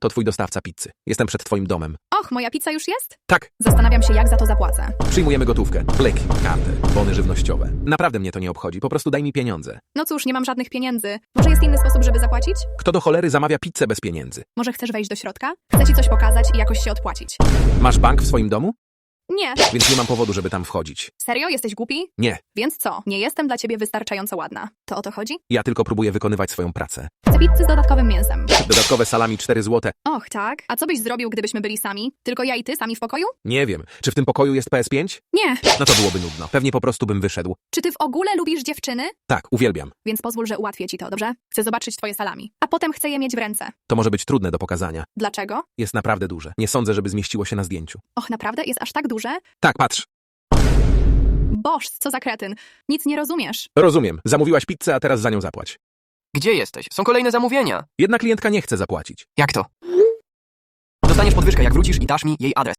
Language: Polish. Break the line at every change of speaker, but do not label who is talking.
To twój dostawca pizzy. Jestem przed twoim domem.
Och, moja pizza już jest?
Tak,
Zastanawiam się, jak za to zapłacę.
przyjmujemy gotówkę, leki, kartę, bony żywnościowe. Naprawdę mnie to nie obchodzi, po prostu daj mi pieniądze.
No cóż, nie mam żadnych pieniędzy. Może jest inny sposób, żeby zapłacić?
Kto do cholery zamawia pizzę bez pieniędzy?
Może chcesz wejść do środka? Chcę ci coś pokazać i jakoś się odpłacić.
Masz bank w swoim domu?
Nie.
Więc nie mam powodu, żeby tam wchodzić.
Serio? Jesteś głupi?
Nie,
Więc co? Nie jestem dla ciebie wystarczająco ładna. To o to chodzi?
ja tylko próbuję wykonywać swoją pracę.
Chcę pizzy z dodatkowym mięsem.
Dodatkowe salami 4 złote.
Och, tak? A co byś zrobił, gdybyśmy byli sami? Tylko ja i ty sami w pokoju?
Nie wiem, czy w tym pokoju jest PS5?
Nie.
No to byłoby nudno. Pewnie po prostu bym wyszedł.
Czy ty w ogóle lubisz dziewczyny?
Tak, uwielbiam.
Więc pozwól, że ułatwię ci to, dobrze? Chcę zobaczyć twoje salami. A potem chcę je mieć w ręce.
To może być trudne do pokazania.
Dlaczego?
Jest naprawdę duże. Nie sądzę, żeby zmieściło się na zdjęciu.
Och, naprawdę? Jest aż tak duże?
Tak, patrz.
Boż, co za kretyn. Nic nie rozumiesz.
Rozumiem. Zamówiłaś pizzę, a teraz za nią zapłać.
Gdzie jesteś? Są kolejne zamówienia.
Jedna klientka nie chce zapłacić.
Jak to? Dostaniesz podwyżkę, jak wrócisz i dasz mi jej adres.